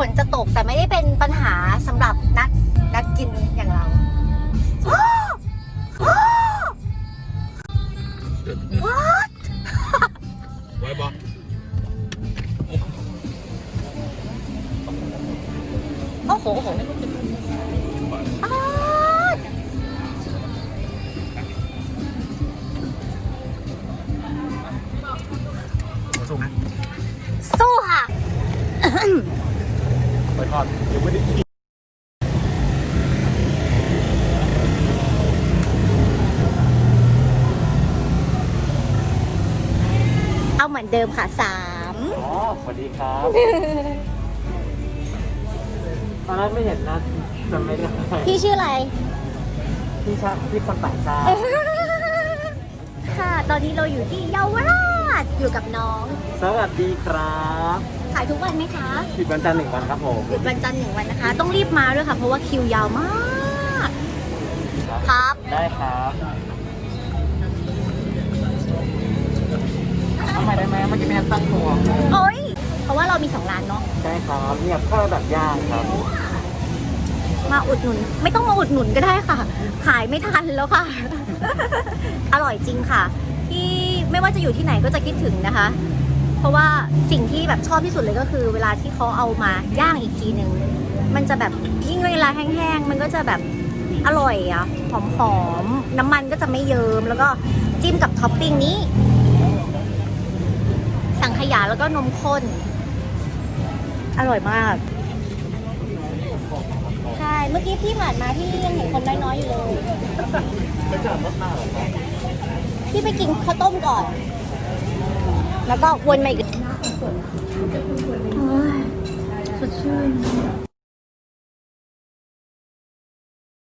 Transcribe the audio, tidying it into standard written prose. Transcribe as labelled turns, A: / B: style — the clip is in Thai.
A: นจะตกแต่ไม่ได้เป็นปัญหาสำหรับนักกินอย่างเราWhat
B: ไว้บอ
A: โอ้โห
B: สู้นะ
A: สู้ค่ะ
B: ไปทอดยังไม่ได้กิน
A: เอาเหมือนเดิมค่ะ3
C: อ๋อสวัสดีครับตอนแรกไม่เห็นนะจำไม่ได้
A: พี่ชื่ออะไร
C: พี่คนต่างชาติ
A: ค่ะ ตอนนี้เราอยู่ที่เยาวราชอยู่กับน้อง
C: สวัสดีครับ
A: ขายทุกวันไหมคะ
C: ปิดวันจันทร์1 วันครับผม
A: หยุดวันจันทร์1 วันนะคะ ต้องรีบมาด้วยค่ะ เพราะว่าคิวยาวมาก ครับ
C: ได้ครับทำไมได้ไหมเมื่อกี้ไม่ทันตั้งตัว
A: โอ้ยเพราะว่าเรามี2 ร้านเนาะ
C: ได้ครับเนี่ยข้าวแบบย่างครับ
A: มาอุดหนุน ไม่ต้องมาอุดหนุนก็ได้ค่ะ ขายไม่ทันแล้วค่ะ อร่อยจริงค่ะที่ไม่ว่าจะอยู่ที่ไหนก็จะคิดถึงนะคะ เพราะว่าสิ่งที่แบบชอบที่สุดเลยก็คือเวลาที่เขาเอามาย่างอีกทีหนึ่งมันจะแบบยิ่งเวลาแห้งๆมันก็จะแบบอร่อยอ่ะหอมๆน้ำมันก็จะไม่เยิ้มแล้วก็จิ้มกับท็อปปิ้งนี้ สังขยาแล้วก็นมข้นอร่อยมากใช่เมื่อกี้พี่ผ่านมาที่ยังเห็นคนน้อยๆอยู่เลยพี่ไปกินข้าวต้มก่อนแล้วก็วนมาอีกสดชื่น